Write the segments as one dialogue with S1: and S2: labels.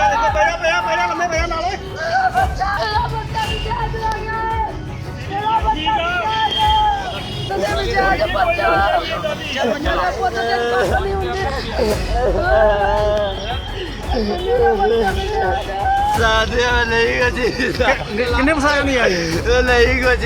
S1: किन्ने पसंद नहीं आई
S2: नहीं कुछ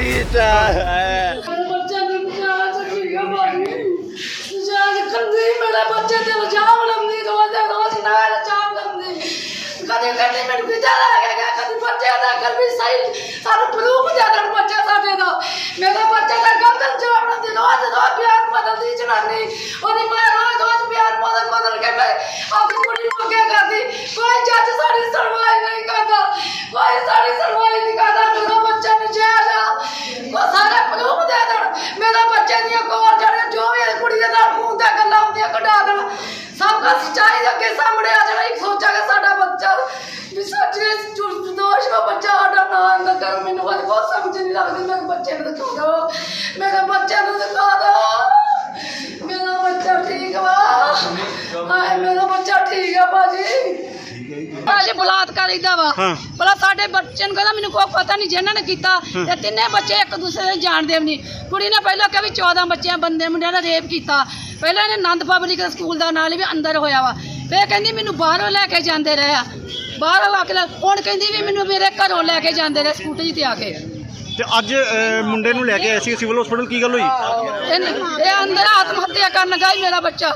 S2: मेरा बच्चे ते जाम लंदी रोज नाल जाम लंदी कदे कदे मैं गुजारा लगा कदे बच्चे दा कर भी सही सारा प्रूफ ज्यादा बच्चा साडे दा मेरा बच्चा दा गलत जवाब दी रोज बयान बदल दी जनानी ओदी मां रोज बयान बदल के अपनी कुड़ी को क्या करदी कोई जज साडी सुनवाई नहीं करदा कोई साडी सुनवाई नहीं करदा मेरा बच्चा नजायज को सारा प्रूफ दे देण मेरा बच्चे दी कोर जड़े जो भी कुड़ी दे नाल मुंह ते गल्लां होंदियां कढा देण सब का सच्चाई के सामने आ जाना एक सोचा कि साडा बच्चा भी सच्चे दोष का बच्चा साडा ना अंदर कर मैनू बहुत समझ नहीं लगदी मेरे बच्चे ने दिखा दो मेरे बच्चे ने दिखा दो मेरा बच्चा ठीक वा हाय मेरा बच्चा ठीक है बाजी आज बलात्कार इदा वा भला साडे बच्चे ਨੂੰ ਕਹਿੰਦਾ ਮੈਨੂੰ ਕੋਈ ਪਤਾ ਨਹੀਂ ਜਿਨ੍ਹਾਂ ਨੇ ਕੀਤਾ ਤੇ ਤਿੰਨੇ ਬੱਚੇ ਇੱਕ ਦੂਸਰੇ ਨੂੰ ਜਾਣਦੇ ਨਹੀਂ ਕੁੜੀ ਨੇ ਪਹਿਲਾਂ ਕਿਹਾ ਵੀ 14 ਬੱਚਿਆਂ ਬੰਦੇ ਮੁੰਡਿਆਂ ਦਾ ਰੇਪ ਕੀਤਾ ਪਹਿਲਾਂ ਇਹਨੇ ਆਨੰਦ ਪਬਲਿਕ ਸਕੂਲ ਦਾ ਨਾਲ ਵੀ ਅੰਦਰ ਹੋਇਆ ਵਾ ਫੇਰ ਕਹਿੰਦੀ ਮੈਨੂੰ ਬਾਹਰੋਂ ਲੈ ਕੇ ਜਾਂਦੇ ਰਹੇ ਆ ਬਾਹਰੋਂ ਆ ਕੇ ਹੁਣ ਕਹਿੰਦੀ ਵੀ ਮੈਨੂੰ ਮੇਰੇ ਘਰੋਂ ਲੈ ਕੇ ਜਾਂਦੇ ਰਹੇ ਸਕੂਟਰੀ ਤੇ ਆ ਕੇ
S1: ਤੇ ਅੱਜ ਮੁੰਡੇ ਨੂੰ ਲੈ ਕੇ ਆਏ ਸੀ ਸਿਵਲ ਹਸਪੀਟਲ ਕੀ ਗੱਲ ਹੋਈ
S2: ਇਹ ਅੰਦਰ ਆਤਮ ਹੱਤਿਆ ਕਰਨ ਲੱਗਾ ਸੀ ਮੇਰਾ ਬੱਚਾ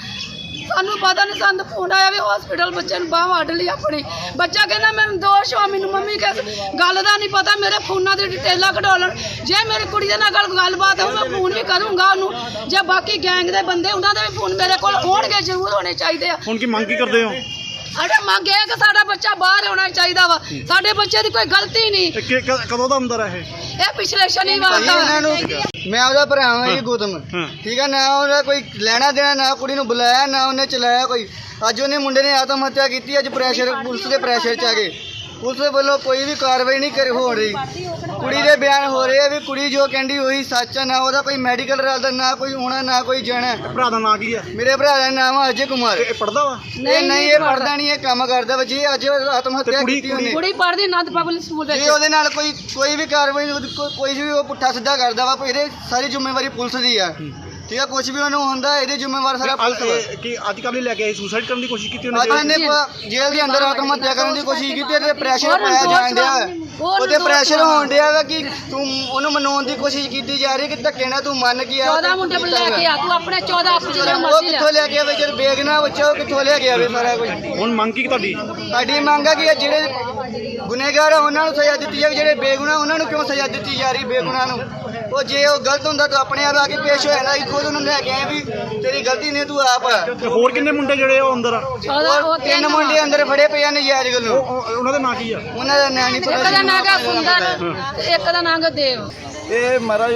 S2: ਸਾਨੂੰ ਪਤਾ ਨਹੀਂ ਸਾਨੂੰ ਫੋਨ ਆਇਆ ਵੀ ਹਸਪੀਟਲ ਬੱਚੇ ਨੂੰ ਬਾਹ ਵੱਢ ਲਈ ਆਪਣੀ ਬੱਚਾ ਕਹਿੰਦਾ ਮੈਨੂੰ ਦੋਸ਼ ਆ ਮੈਨੂੰ ਮੰਮੀ ਕਿਸ ਗੱਲ ਦਾ ਨਹੀਂ ਪਤਾ ਮੇਰੇ ਫੋਨਾਂ ਦੀ ਡਿਟੇਲਾਂ ਕਢਾ ਲੈਣ ਜੇ ਮੇਰੀ ਕੁੜੀ ਦੇ ਨਾਲ ਗੱਲਬਾਤ ਹੋ ਮੈਂ ਫੋਨ ਵੀ ਕਰੂੰਗਾ ਉਹਨੂੰ ਜੇ ਬਾਕੀ ਗੈਂਗ ਦੇ ਬੰਦੇ ਉਹਨਾਂ ਦੇ ਵੀ ਫੋਨ ਮੇਰੇ ਕੋਲ ਹੋਣਗੇ ਜ਼ਰੂਰ ਹੋਣੇ ਚਾਹੀਦੇ ਆ
S1: ਹੁਣ ਕੀ ਮੰਗ ਕੀ ਕਰਦੇ ਹੋ
S2: ਸਾਡੇ ਮੰਗ ਇਹ ਕਿ ਸਾਡਾ ਬੱਚਾ ਬਾਹਰ ਹੋਣਾ ਚਾਹੀਦਾ ਵਾ ਸਾਡੇ ਬੱਚੇ ਦੀ ਕੋਈ ਗਲਤੀ ਨਹੀਂ
S1: ਕਦੋਂ ਦਾ ਅੰਦਰ ਹੈ
S2: ਇਹ ਪਿਛਲੇ ਸ਼ਨੀਵਾਰ ਦਾ
S3: ਮੈਂ ਉਹਦਾ ਭਰਾ ਹਾਂ ਜੀ ਗੌਤਮ ਠੀਕ ਹੈ ਨਾ ਉਹਦਾ ਕੋਈ ਲੈਣਾ ਦੇਣਾ ਨਾ ਕੁੜੀ ਨੂੰ ਬੁਲਾਇਆ ਨਾ ਉਹਨੇ ਚਲਾਇਆ ਕੋਈ ਅੱਜ ਉਹਨੇ ਮੁੰਡੇ ਨੇ ਆਤਮ ਹੱਤਿਆ ਕੀਤੀ ਅੱਜ ਪ੍ਰੈਸ਼ਰ ਪੁਲਿਸ ਦੇ ਪ੍ਰੈਸ਼ਰ 'ਚ ਆ ਗਏ ਪੁਲਿਸ ਵੱਲੋਂ ਕੋਈ ਵੀ ਕਾਰਵਾਈ ਨਹੀਂ ਹੋ ਰਹੀ ਕੁੜੀ ਦੇ ਬਿਆਨ ਹੋ ਰਹੇ ਆ ਵੀ ਕੁੜੀ ਜੋ ਕਹਿੰਦੀ ਉਹੀ ਸੱਚ ਆ ਨਾ ਉਹਦਾ ਕੋਈ ਮੈਡੀਕਲ ਰਾਦਾ ਨਾ ਕੋਈ ਹੋਣਾ ਨਾ ਕੋਈ ਜਾਣਾ
S1: ਭਰਾ ਦਾ ਨਾਂ ਕੀ ਆ
S3: ਮੇਰੇ ਭਰਾ ਦਾ ਨਾਮ ਆ ਅਜੇ ਕੁਮਾਰ
S1: ਇਹ ਪੜਦਾ ਵਾ
S3: ਨਹੀਂ ਇਹ ਪੜਦਾ ਨਹੀਂ ਇਹ ਕੰਮ ਕਰਦਾ ਵਾ ਜੀ ਅੱਜ ਆਤਮ ਹੱਤਿਆ ਕੀਤੀ ਉਹਨੇ
S2: ਕੁੜੀ ਪੜਦੀ ਆਨੰਦ ਪਬਲਿਕ ਸਕੂਲ ਵਿੱਚ
S3: ਜੇ ਉਹਦੇ ਨਾਲ ਕੋਈ ਵੀ ਕਾਰਵਾਈ ਕੋਈ ਵੀ ਉਹ ਪੁੱਠਾ ਸਿੱਧਾ ਕਰਦਾ ਵਾ ਇਹਦੇ ਸਾਰੀ ਜ਼ਿੰਮੇਵਾਰੀ ਪੁਲਿਸ ਦੀ ਆ ਠੀਕ ਆ ਕੁਝ ਵੀ ਉਹਨੂੰ ਹੁੰਦਾ ਇਹਦੇ ਜ਼ਿੰਮੇਵਾਰ ਸਾਰਾ ਪੁਲਿਸ
S1: ਕਿ ਅੱਜ ਕੱਲ੍ਹ ਲੈ ਕੇ ਸੁਸਾਈਡ ਕਰਨ ਦੀ ਕੋਸ਼ਿਸ਼ ਕੀਤੀ
S3: ਉਹਨੇ ਜੇਲ੍ਹ ਦੇ ਅੰਦਰ ਆਤਮ ਹੱਤਿਆ ਕਰਨ ਦੀ ਕੋਸ਼ਿਸ਼ ਕੀਤੀ ਤੇ ਪ੍ਰੈਸ਼ਰ ਪਾਇਆ ਜਾਣ ਡਿਆ ਉਹਦੇ ਪ੍ਰੈਸ਼ਰ ਹੋਣ ਡਿਆ ਵਾ ਕਿ ਤੂੰ ਉਹਨੂੰ ਮਨਾਉਣ ਦੀ ਕੋਸ਼ਿਸ਼ ਕੀਤੀ ਜਾ ਰਹੀ ਕਿ ਧੱਕੇ ਨਾਲ ਤੂੰ ਮੰਨ ਕੇ ਆ
S2: 14 ਮੁੰਡੇ ਲੈ ਕੇ ਆ ਤੂੰ ਆਪਣੇ 14 ਆਪਣੇ
S3: ਉਹ ਕਿੱਥੋਂ ਲੈ ਕੇ ਆਵੇ ਜਦ ਬੇਗਨਾ ਬੱਚਾ ਉਹ ਕਿੱਥੋਂ ਲੈ ਕੇ ਆਵੇ ਸਾਰਾ ਕੁਝ
S1: ਹੁਣ ਮੰਗ ਕੀ ਤੁਹਾਡੀ
S3: ਮੰਗ ਆ ਕਿ ਜਿਹੜੇ ਗੁਨੇਗਾਰ ਆ ਉਹਨਾਂ ਨੂੰ ਸਜ਼ਾ ਦਿੱਤੀ ਜਾਵੇ ਜਿਹੜੇ ਬੇਗੁਨਾਹ ਉਹਨਾਂ ਨੂੰ ਕਿਉਂ ਸਜ਼ਾ ਦਿੱਤੀ ਜਾ ਰਹੀ ਬੇਗੁਨਾਹ ਨੂੰ ਉਹ ਜੇ ਉਹ ਗਲਤ ਹੁੰਦਾ ਤਾਂ ਆਪਣੇ ਆਪ ਆ ਕੇ ਪੇਸ਼ ਹੋ ਜਾਣਾ ਖੁਦ ਉਹਨੂੰ ਲੈ ਕੇ ਆਏ ਵੀ ਤੇਰੀ ਗਲਤੀ ਨਹੀਂ ਤੂੰ ਆਪ ਆ
S1: ਹੋਰ ਕਿੰਨੇ ਮੁੰਡੇ ਜਿਹੜੇ ਉਹ ਅੰਦਰ ਆ
S3: 3 ਮੁੰਡੇ ਅੰਦਰ ਫੜੇ ਪਏ ਆ ਨਜਾਇਜ਼ ਗੱਲੋਂ
S1: ਉਹਨਾਂ ਦਾ ਨਾਂ ਕੀ ਆ
S3: ਉਹਨਾਂ ਦਾ ਨਾਂ ਨਹੀਂ
S2: ਇੱਕ ਦਾ ਨਾਂ ਗਾ ਸੁੰਦਰ ਇੱਕ ਦਾ ਨਾਂ ਗਾ ਦੇਵ
S4: ਇਹ ਮਹਾਰਾਜ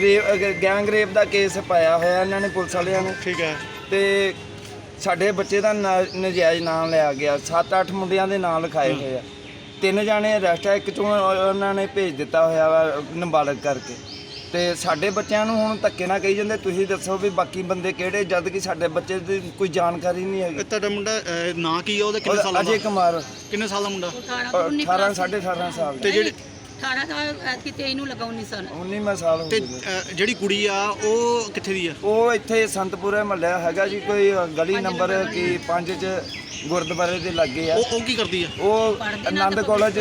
S4: ਗੈਂਗ ਰੇਪ ਦਾ ਕੇਸ ਪਾਇਆ ਹੋਇਆ ਇਹਨਾਂ ਨੇ ਪੁਲਿਸ ਵਾਲਿਆਂ ਨੂੰ
S1: ਠੀਕ ਹੈ
S4: ਤੇ ਸਾਡੇ ਬੱਚੇ ਦਾ ਨਜਾਇਜ਼ ਨਾਮ ਲਿਆ ਗਿਆ 7-8 ਮੁੰਡਿਆਂ ਦੇ ਨਾਂ ਲਿਖਾਏ ਹੋਏ ਆ 3 ਜਾਣੇ ਅਰੈਸਟ ਆ ਇੱਕ ਚੋਂ ਉਹਨਾਂ ਨੇ ਭੇਜ ਦਿੱਤਾ ਹੋਇਆ ਵਾ ਨਾਬਾਲਗ ਕਰਕੇ ਤੇ ਸਾਡੇ ਬੱਚਿਆਂ ਨੂੰ ਹੁਣ ਧੱਕੇ ਨਾਲ ਕਹੀ ਜਾਂਦੇ ਤੁਸੀਂ ਦੱਸੋ ਵੀ ਬਾਕੀ ਬੰਦੇ ਕਿਹੜੇ ਜਦ ਕਿ ਸਾਡੇ ਬੱਚੇ ਦੀ ਕੋਈ ਜਾਣਕਾਰੀ ਨਹੀਂ ਹੈਗੀ
S1: ਤੁਹਾਡਾ ਮੁੰਡਾ ਨਾਂ ਕੀ ਆ ਉਹਦਾ ਕਿੰਨੇ ਸਾਲਾਂ ਦਾ
S4: ਅਜੇ ਕੁਮਾਰ
S1: ਕਿੰਨੇ ਸਾਲ ਦਾ ਮੁੰਡਾ
S4: 18 18.5 ਸਾਲ
S1: ਤੇ ਜਿਹੜੀ
S2: 18 ਸਾਲ ਐਤਕੀ 23 ਨੂੰ ਲਗਾ 19 ਸਾਲ
S4: 19ਵਾਂ ਸਾਲ ਹੋ
S1: ਤੇ
S4: ਗਿਆ
S1: ਜਿਹੜੀ ਕੁੜੀ ਆ ਉਹ ਕਿੱਥੇ ਦੀ ਆ
S4: ਉਹ ਇੱਥੇ ਸੰਤਪੁਰੇ ਮਹੱਲਾ ਹੈਗਾ ਜੀ ਕੋਈ ਗਲੀ ਨੰਬਰ ਕੀ 5 ਚ ਗੁਰਦੁਆਰੇ ਦੇ ਲਾਗੇ ਆ
S1: ਉਹ ਕੀ ਕਰਦੀ ਆ
S4: ਉਹ ਆਨੰਦ ਕਾਲਜ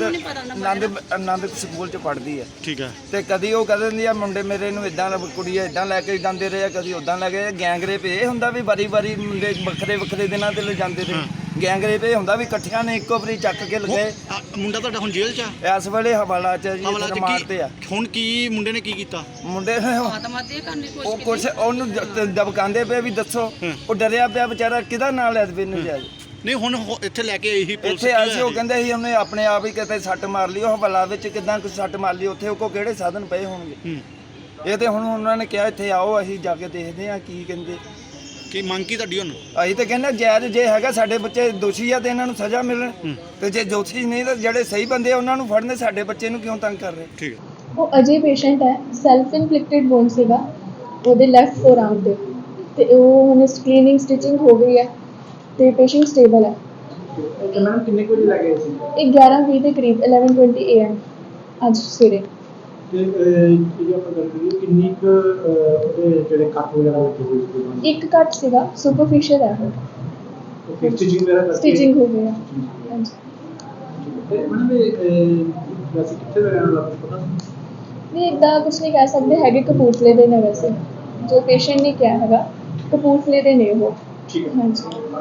S4: ਆਨੰਦ ਸਕੂਲ ਚ ਪੜ੍ਹਦੀ ਆ
S1: ਠੀਕ ਆ
S4: ਤੇ ਕਦੀ ਉਹ ਕਹਿ ਦਿੰਦੀ ਆ ਮੁੰਡੇ ਮੇਰੇ ਨੂੰ ਇਦਾਂ ਕੁੜੀਆਂ ਇਦਾਂ ਲੈ ਕੇ ਜਾਂਦੇ ਰਹੇ ਆ ਕਦੀ ਉਦਾਂ ਲੈ ਕੇ ਗੈਂਗ ਰੇਪ ਇਹ ਹੁੰਦਾ ਵੀ ਵਾਰੀ ਮੁੰਡੇ ਵੱਖਰੇ ਦਿਨਾਂ ਤੇ ਲੈ ਜਾਂਦੇ ਰਹੇ ਗੈਂਗ ਰੇਪ ਇਹ ਹੁੰਦਾ ਵੀ ਇਕੱਠਿਆਂ ਨੇ ਇੱਕੋ ਵਾਰੀ ਚੱਕ ਕੇ ਲਗਾਏ
S1: ਮੁੰਡਾ ਤੁਹਾਡਾ ਹੁਣ ਜੇਲ੍ਹ ਚ ਆ
S4: ਇਸ ਵੇਲੇ ਹਵਾਲਾ ਚ ਜੀ ਮਾਰਤੇ ਆ
S1: ਹੁਣ ਕੀ ਮੁੰਡੇ ਨੇ ਕੀ ਕੀਤਾ
S4: ਮੁੰਡੇ
S2: ਆਤਮ ਹੱਤਿਆ ਕਰਨ ਦੀ
S4: ਉਹ ਕੁਛ ਉਹਨੂੰ ਦਬਕਾਉਂਦੇ ਪਏ ਵੀ ਦੱਸੋ ਉਹ ਡਰਿਆ ਪਿਆ ਵਿਚਾਰਾ ਕਿਹਦਾ ਨਾਂ ਲੈ ਦੇ ਨਜਾਇਜ਼
S1: ਨਹੀਂ ਹੁਣ ਇੱਥੇ ਲੈ ਕੇ ਆਈ ਸੀ ਪੁਲਿਸ
S4: ਇੱਥੇ ਆਏ ਸੀ ਉਹ ਕਹਿੰਦੇ ਸੀ ਉਹਨੇ ਆਪਣੇ ਆਪ ਹੀ ਕਿਤੇ ਸੱਟ ਮਾਰ ਲਈ ਉਹ ਹਵਾਲਾ ਵਿੱਚ ਕਿਦਾਂ ਕੁਛ ਸੱਟ ਮਾਰ ਲਈ ਉੱਥੇ ਉਹ ਕੋ ਕਿਹੜੇ ਸਾਧਨ ਪਏ ਹੋਣਗੇ ਇਹ ਤੇ ਹੁਣ ਉਹਨਾਂ ਨੇ ਕਿਹਾ ਇੱਥੇ ਆਓ ਅਸੀਂ ਜਾ ਕੇ ਦੇਖਦੇ ਆ ਕੀ ਕਹਿੰਦੇ
S1: ਕੀ ਮੰਗ ਕੀ ਤੁਹਾਡੀ ਹੁਣ
S4: ਅਸੀਂ ਤਾਂ ਕਹਿੰਦੇ ਜਾਇਜ਼ ਜੇ ਹੈਗਾ ਸਾਡੇ ਬੱਚੇ ਦੋਸ਼ੀ ਆ ਤੇ ਇਹਨਾਂ ਨੂੰ ਸਜ਼ਾ ਮਿਲਣ ਤੇ ਜੇ ਦੋਸ਼ੀ ਨਹੀਂ ਤਾਂ ਜਿਹੜੇ ਸਹੀ ਬੰਦੇ ਆ ਉਹਨਾਂ ਨੂੰ ਫੜਨੇ ਸਾਡੇ ਬੱਚੇ ਨੂੰ ਕਿਉਂ ਤੰਗ ਕਰ ਰਹੇ
S1: ਠੀਕ ਹੈ
S5: ਉਹ ਅਜੇ ਪੇਸ਼ੈਂਟ ਹੈ ਸੈਲਫ ਇਨਫਲਿਕਟਡ ਵੋਨ ਸੀਗਾ ਉਹਦੇ ਲੈਫਟ ਫੋਰਆਰਮ ਤੇ ਉਹ ਹੁਣ ਸਕ੍ਰੀਨਿੰਗ ਸਟਿਚਿੰਗ ਹੋ ਗਈ ਹੈ ਤੇ ਪੇਸ਼ੈਂਟ ਸਟੇਬਲ ਹੈ
S6: ਤੇ ਮੈਡਮ ਕਿੰਨੇ ਕੁ ਵਜੇ ਲੱਗੇ ਸੀ
S5: ਇਹ 11:20 ਦੇ ਕਰੀਬ 11:20 AM ਅੱਜ ਸਵੇਰੇ।
S6: ਤੇ ਇਹ ਆਪਾਂ ਗੱਲ ਕਰੀਏ ਕਿੰਨੀ ਕੁ ਉਹਦੇ ਜਿਹੜੇ ਕੱਟ ਵਗੈਰਾ ਲੱਗੇ ਹੋਏ ਸੀ
S5: ਇੱਕ ਕੱਟ ਸੀਗਾ, ਸੁਪਰਫਿਸ਼ੀਅਲ ਹੈ
S6: ਓਕੇ ਸਟਿਚਿੰਗ ਵਗੈਰਾ ਕਰਕੇ
S5: ਸਟਿਚਿੰਗ ਹੋ ਗਈ ਹੈ। ਹਾਂਜੀ
S6: ਤੇ ਮੈਡਮ ਇਹ ਵੈਸੇ ਕਿੱਥੇ ਦਾ ਰਹਿਣ ਵਾਲਾ ਪਤਾ
S5: ਨਹੀਂ ਇੱਦਾਂ ਕੁਛ ਨਹੀਂ ਕਹਿ ਸਕਦੇ ਹੈਗੇ, ਕਪੂਰਥਲੇ ਦੇ ਨੇ ਵੈਸੇ ਜੋ ਪੇਸ਼ੈਂਟ ਨੇ ਕਿਹਾ ਹੈਗਾ, ਕਪੂਰਥਲੇ ਦੇ ਨੇ ਉਹ।
S6: ਠੀਕ ਹੈ।
S5: ਹਾਂਜੀ।